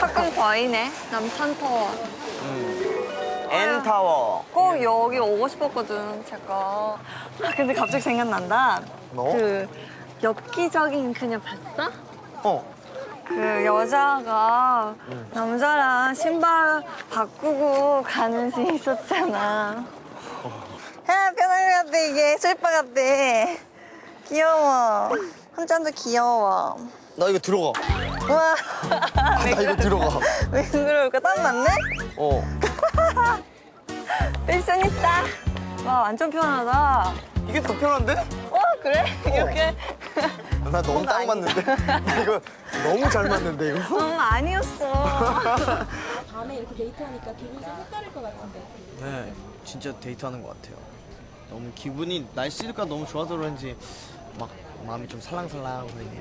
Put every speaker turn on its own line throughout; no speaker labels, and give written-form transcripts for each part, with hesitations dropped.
조금 보이네. 남산타워.
N타워.
꼭 여기 오고 싶었거든, 제가. 아, 근데 갑자기 생각난다.
뭐?
그 엽기적인 그녀 봤어?
어.
그 여자가 남자랑 신발 바꾸고 가는 씬 있었잖아. 야, 편하게 같아, 이게. 슬퍼 같아. 귀여워. 한잔도 귀여워.
나 이거 들어가.
우와.
나 이거 들어가.
왜 그럴까? 딱 맞네?
어.
패셔니스타. 와, 완전 편하다.
이게 더 편한데?
그래? 이렇게?
나 너무 딱 맞는데? 나 이거 너무 잘 맞는데, 이거?
아니었어.
밤에 이렇게 데이트하니까 기분이 좀 색다를 것 같은데.
네, 진짜 데이트하는 것 같아요. 너무 기분이, 날씨가 너무 좋아서 그런지 막 마음이 좀 살랑살랑 거리네요.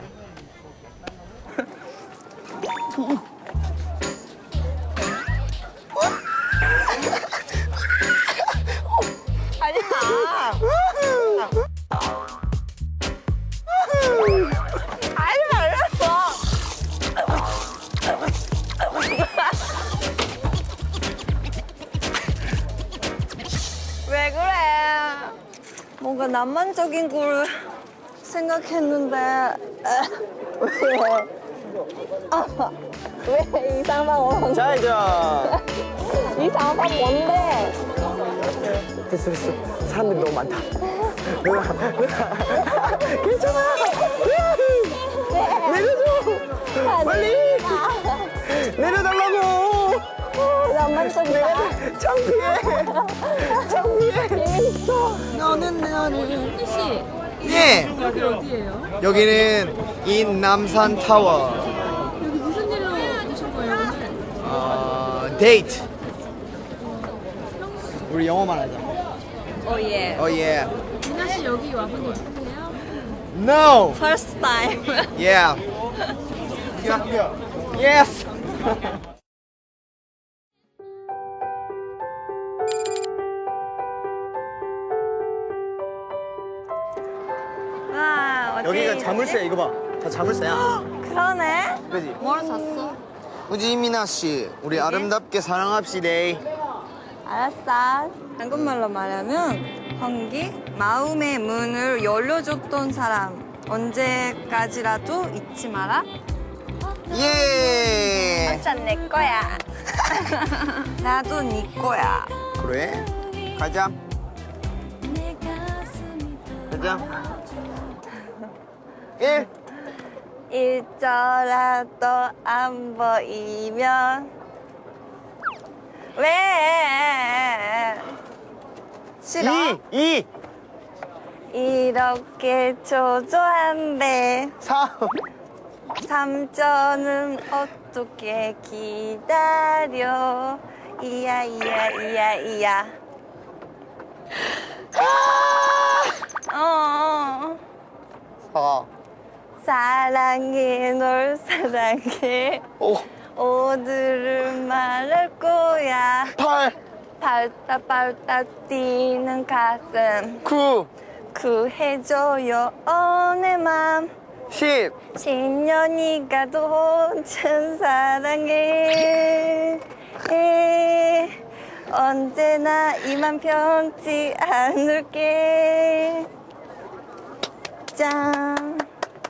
아니야. 아니, 말랐어. 왜 그래? 뭔가 낭만적인 걸 생각했는데 왜 이상한 거?
자,
이상한 거 뭔데?
됐어. 사람들이 너무 많다. 누나. 괜찮아. 내려줘. 빨리. 내려달라고.
낭만적이다.
창피해.
재밌어.
너는 나를. 씨,
예.
여기 어디예요?
여기는 인남산 타워.
여기 무슨 일로 오신 거예요, 오늘?
데이트. 우리 영어만 하자.
예.
Oh yeah.
미나 씨 여기 와본 적 있으세요?
No.
First time.
Yeah. Yes.
와, 어디
여기가
있지?
자물쇠 이거 봐. 다 자물쇠야.
그러네.
그지?
뭘 샀어?
우지미나 씨, 우리 아름답게 사랑합시다.
알았어. 한국말로 말하면 환기, 마음의 문을 열려줬던 사람. 언제까지라도 잊지 마라.
예.
한잔 내 거야. 나도 네 거야.
그래? 가자. 가자. 1.
일저라도 안 보이면 왜 싫어?
2.
이렇게 초조한데
3.
3점은 어떻게 기다려 이야 어
4.
사랑해 널 사랑해
5.
오늘은 말할 거야
8.
발딱 뛰는 가슴
9.
구해줘요 내 맘
10.
10년이 가도 참 사랑해 언제나 이만 편치 않을게 짠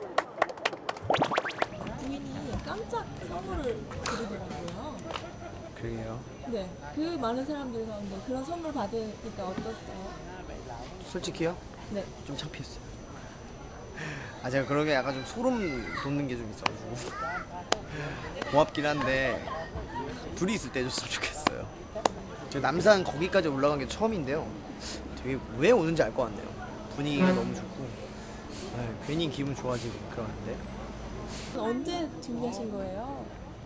부인이 깜짝 선물을 드리더라고요.
그래요.
네, 그 많은 사람들 가운데 그런 선물 받으니까 어떠세요?
솔직히요?
네.
좀 창피했어요. 제가 그러게 약간 좀 소름 돋는 게 좀 있어가지고 고맙긴 한데 둘이 있을 때 해줬으면 좋겠어요. 저 남산 거기까지 올라간 게 처음인데요. 되게 왜 오는지 알 것 같네요. 분위기가 너무 좋고 괜히 기분 좋아지고 그러는데.
언제 준비하신 거예요?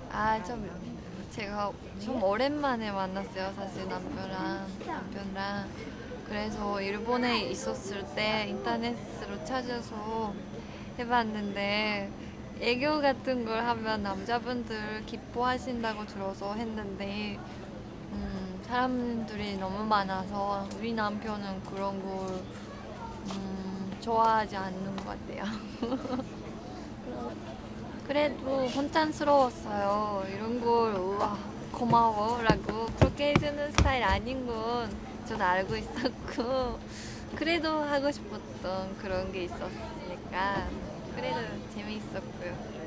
제가 좀 오랜만에 만났어요. 사실 남편랑. 그래서 일본에 있었을 때 인터넷으로 찾아서 해봤는데 애교 같은 걸 하면 남자분들 기뻐하신다고 들어서 했는데 사람들이 너무 많아서 우리 남편은 그런 걸 좋아하지 않는 것 같아요. 그래도 혼란스러웠어요. 이런 걸 우와 고마워라고 그렇게 해주는 스타일 아닌 건 저는 알고 있었고 그래도 하고 싶었던 그런 게 있었으니까 그래도 재미있었고요.